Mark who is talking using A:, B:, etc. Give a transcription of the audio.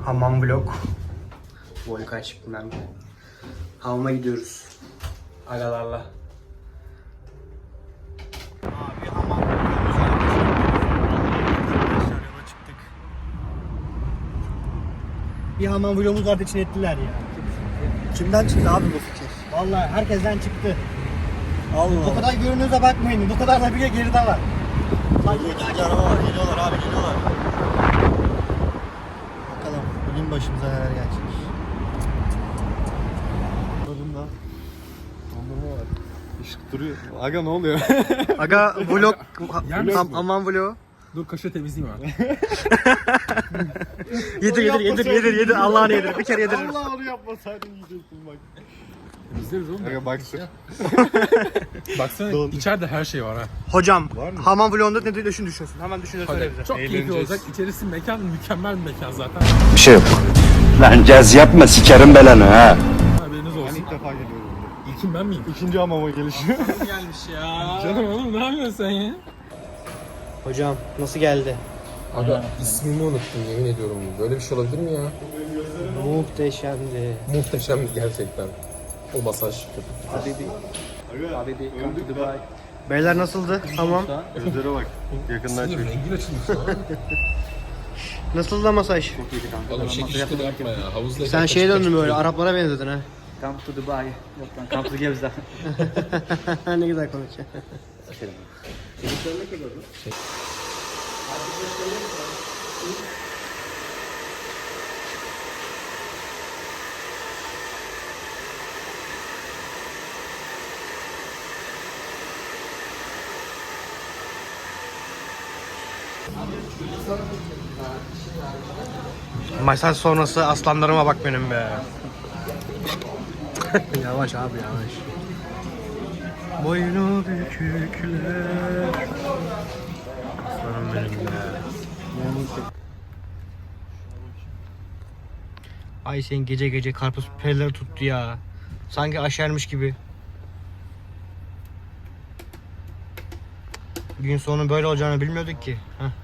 A: Hamam vlog. Volkan çıktım. Hamama gidiyoruz. Agalarla. Abi hamam vlogumuz arkadaşlar, yola çıktık. Bir hamam vlogumuz vardı, için ettiler ya.
B: Kimden çıktı abi bu fikir?
A: Vallahi herkesten çıktı.
B: Allah
A: Bu kadar görünüyorsa bakmayın. Bu kadar da bir geride var.
B: İkinci araba var. Geliyorlar abi, geliyorlar. Bakalım bugün başımıza neler gelecek. Dondurma var. Işık duruyor. Aga ne oluyor?
A: Aga vlog,
C: hamam
A: vlog.
C: Dur kaşığı temizleyeyim abi.
A: Yedir Allah'ını yedir. Bir kere yedir.
B: Allah onu yapmasaydın yiyecektin bak.
C: Temizleriz oğlum.
B: Aga baksın.
C: Baksana içeride her şey var ha.
A: Hocam hamam vlogunda ne düşünüyorsun? Hemen düşünür söyle bize.
C: Çok keyifli olacak. İçerisi mekan mükemmel bir mekan zaten.
D: Bir şey yok. Lan caz yapma sikerim belanı ha.
C: Haberiniz olsun.
B: İlk defa geliyorum.
C: İlkim ben miyim?
B: İkinci hamama gelişi.
C: Gelmiş ya. Canım oğlum ne yapıyorsun sen ya?
A: Hocam nasıl geldi?
C: Aga ismimi unuttum yemin ediyorum. Böyle bir şey olabilir mi ya?
A: Muhteşemdi.
C: Muhteşem gerçekten. O masaj.
A: Beyler nasıldı? Tamam.
B: Gözlere bak. Yakından
C: Sinir
B: çek.
C: rengin açılmış ya.
A: Nasıldı da masaj?
C: Oğlum şekil yapma ya. Havuzda
A: Sen şeye döndün böyle, Araplara benzedin ha.
E: Come to Dubai. Yok lan, come to Gebze.
A: Ne güzel konuşuyor. Masaj sonrası aslanlarıma bak benim be. Yavaş abi yavaş. Boynu bükükler. Aslanım benim be. Ay sen gece gece karpuz perileri tuttu ya. Sanki aşermiş gibi. Gün sonu böyle olacağını bilmiyorduk ki. Heh.